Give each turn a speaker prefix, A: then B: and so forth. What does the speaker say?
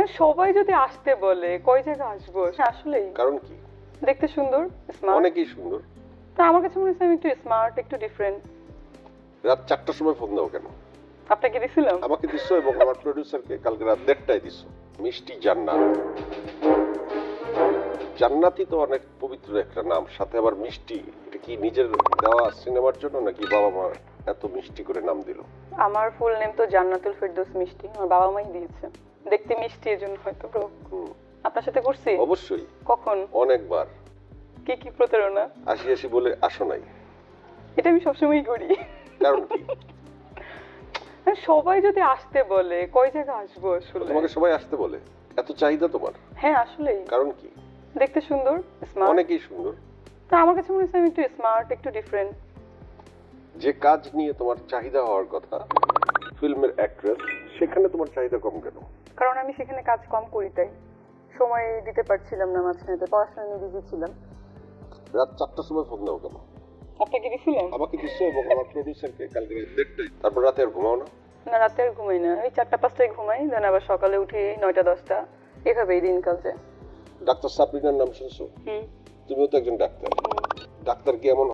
A: সবাই যদি আসতে বলে কয় জায়গা আসবো আসলেই
B: কারণ কি?
A: দেখতে সুন্দর, স্মার্ট।
B: অনেকেই সুন্দর।
A: তা আমার কাছে মনে হচ্ছে আমি একটু স্মার্ট, একটু ডিফারেন্ট।
B: রাত 4টার সময় ফোন দাও কেন?
A: আপনাকে দিছিলাম?
B: আমাকে দিছো এবং আমার প্রোডিউসারকে কালকে রাত 1:30টায় দিছো। মিষ্টি জান্নাত। জান্নাতি তো অনেক পবিত্র একটা নাম, সাথে আবার মিষ্টি। এটা কি নিজের দেওয়া সিনেমার জন্য নাকি বাবা মা এত মিষ্টি করে নাম দিল?
A: আমার ফুল নেম তো জান্নাতুল ফেরদৌস মিষ্টি, আমার বাবা মাই দিয়েছে। দেখতে মিষ্টি এজন্য হয়তো ব্রো। আপনার সাথে করছি?
B: অবশ্যই।
A: কখন?
B: অনেকবার।
A: কি কি প্রতারণা?
B: আসি বলে আসো নাই।
A: এটা আমি সবসময়ই করি।
B: কারণ কি?
A: সবাই যদি আসতে বলে কয় জায়গা আসবো আসলে?
B: তোমাকে সবাই আসতে বলে? এত চাহিদা তোমার?
A: হ্যাঁ আসলেই।
B: কারণ কি?
A: দেখতে সুন্দর, স্মার্ট।
B: অনেকেই সুন্দর।
A: তা আমার কাছে মনে হচ্ছে আমি একটু স্মার্ট, একটু ডিফারেন্ট।
B: যে কাজ নিয়ে তোমার চাহিদা হওয়ার কথা, ফিল্মের অ্যাক্ট্রেস, সেখানে তোমার চাহিদা কম কেন?
A: কারণ আমি সেখানে কাজ কম করি তাই। সময় দিতে পারছিলাম না মাঝখানে, পড়াশোনা নিয়ে বিজি ছিলাম।
B: রাত 4টার সময় ফোন দাও কেন?
A: আপনাকে দিছিলাম?
B: আমাকে দিছো এবং আমার প্রোডিউসারকে কালকে রাত 1:30টায়। তারপর রাতে আর ঘুমাও না?
A: না, রাতে আর ঘুমাই না। ওই 4টা-5টায় ঘুমাই, দেন আবার সকালে উঠি 9টা-10টা, এভাবেই দিনকাল যায়।
B: ডাক্তার সাবরিনার নাম শুনছো? তুমিও তো একজন ডাক্তার। ডাক্তার কি এমন